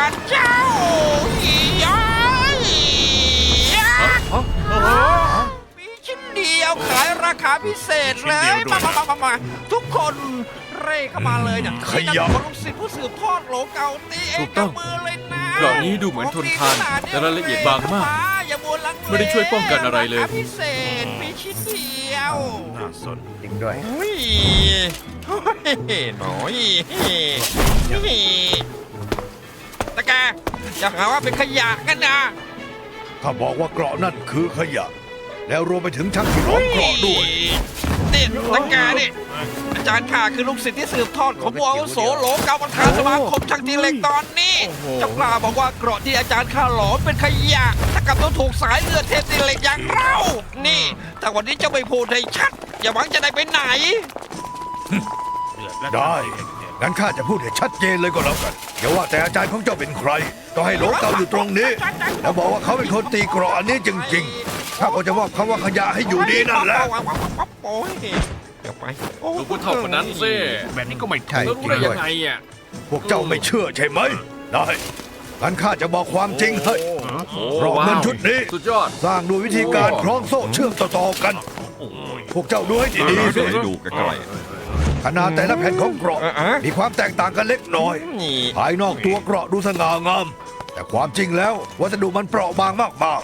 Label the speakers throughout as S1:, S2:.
S1: การเจ้าย้ายมีชิ้นเดียวขายราคาพิเศษเลยมาทุกคนเร่เข้ามาเลยเนี่ยขยะลูกศิษย์ผู้สืบทอดโหลเก่าตีเองกับมือเลยนะ
S2: กล่องนี้ดูเหมือนทนทานแต่รายละเอียดบางมากไม่ได้ช่วยป้องกันอะไรเลย
S1: พิเศษมีชิ้นเดียว
S3: น่าสน
S4: จริงด้วย
S1: โอ้ยหน่อยตะแกอย่าหาว่าเป็นขยะกันนะ
S3: ถ้าบอกว่าเกราะนั่นคือขยะ แล้วรวมไปถึงช่างที่ล้อมเกราะด้วย
S1: นี่ตะแกนี่อาจารย์ข้าคือลูกศิษย์ที่สืบทอดของผู้อาวุโสโหลเก่าประธานสมาคมช่างตีเหล็กตอนนี้เจ้ากล้าบอกว่าเกราะที่อาจารย์ข้าหลอมเป็นขยะถ้ากับต้องถูกสายเลือดเทพตีเหล็กอย่างเรานี่แต่วันนี้เจ้าไม่พูดให้ชัดอย่าหวังจะได้ไปไหน
S3: ได้งั้นข้าจะพูดให้ชัดเจนเลยก็แล้วกันอย่าว่าแต่อาจารย์ของเจ้าเป็นใครก็ให้โหลเก่าอยู่ตรงนี้แล้วบอกว่าเขาเป็นคนตีเกราะอันนี้จริงๆข้าก็จะมอบคำว่าขยะให้อยู่ดีนั่นแหละ
S1: โอ้ยเดี๋ยวไป
S2: ดูผู้เฒ่าคนนั้นสิ
S4: แบบนี้ก็ไม่ใช่
S2: แล้วรู้ได้ยังไงอ่ะ
S3: พวกเจ้าไม่เชื่อใช่ไหมได้งั้นข้าจะบอกความจริงให้เกราะเงินชุดนี้
S2: สุดยอด
S3: สร้างด้วยวิธีการคล้องโซ่เชื่อมต่อๆกัน พวกเจ้าดูให้ดีๆสิ
S5: ดูใกล้
S3: ขนาดแต่ละแผ่นของเกราะมีความแตกต่างกันเล็กน้อย
S1: นี่
S3: ภายนอกตัวเกราะดูสง่างาม แต่ความจริงแล้ววัสดุมันเปราะบางมาก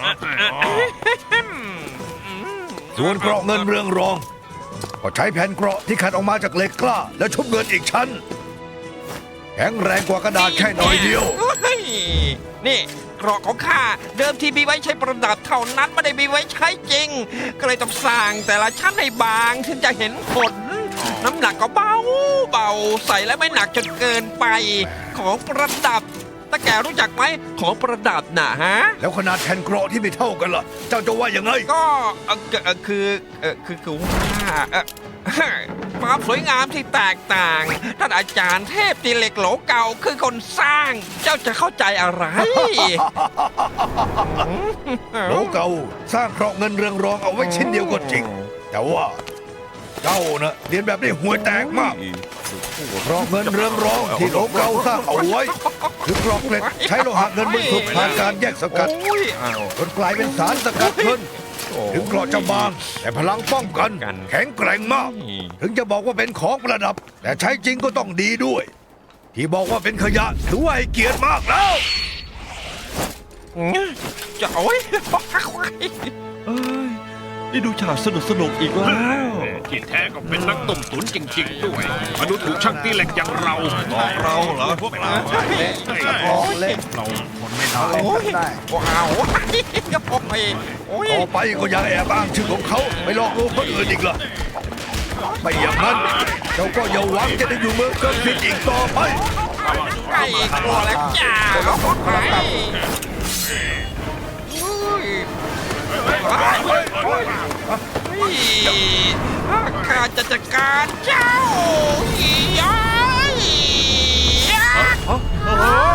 S3: ๆส่วนเกราะเงินเรืองรอง ก็ใช้แผ่นเกราะที่ขัดออกมาจากเหล็กกล้า แล้วชุบเงินอีกชั้นแข็งแรงกว่ากระดาษแค่น้อยเดียว
S1: นี่เกราะของข้าเดิมทีมีไว้ใช้ประดับเท่านั้นไม่ได้มีไว้ใช้จริง ก็เลยต้องสร้างแต่ละชั้นให้บางถึงจะเห็นผล น้ำหนักก็เบาใส่แล้วไม่หนักจนเกินไป ของประดับตาแกรู้จักไหมของประดับน่ะฮะ
S3: แล้วขนาดแผ่นเกราะที่ไม่เท่ากันล่ะ เจ้าจะว่ายังไง
S1: ก็คือว่าความสวยงามที่แตกต่างท่านอาจารย์เทพตีเหล็กโหลเก่าคือคนสร้าง เจ้าจะเข้าใจอะไร
S3: โหลเก่าสร้างเกราะเงินเรืองรองเอาไว้ชิ้นเดียวก็จริง แต่ว่าเจ้านะเรียนแบบได้ห่วยแตกมากเกราะเงินเรืองรองที่โหลเก่าสร้างเอาไว้คือเกราะเหล็กใช้โลหะเงินบรรจุผ่านการแยกสกัดจนกลายเป็นสารสกัดเงินถึงเกราะจะบางแต่พลังป้องกันแข็งแกร่งมาก ถึงจะบอกว่าเป็นของประดับ แต่ใช้จริงก็ต้องดีด้วย ที่บอกว่าเป็นขยะถือว่าให้เกียรติมากแล้ว
S1: จะโอ้ย
S5: นี่ดูฉากสนุกอีกแล้ว
S4: ที่แท้ก็เป็นนักต้มตุ๋นจริงๆด้วยมาดูถูกช่างตีเหล็กอย่างเรา
S5: เราเหรอ
S1: พวกเรา
S4: เล่นเราทนไม่ได้
S1: โอ้ยว้าวโอ้ย
S3: ต่อไปก็อย่าแอบอ้างชื่อของเขาไปหลอกลวงคนอื่นอีกล่ะไม่อย่างนั้นเจ้าก็อย่าหวังจะได้อยู่เมืองเกินผิดอีกต่อไป
S1: ไอ้กลัวแล้วจ้าข้าจะจัดการเจ้าย้าย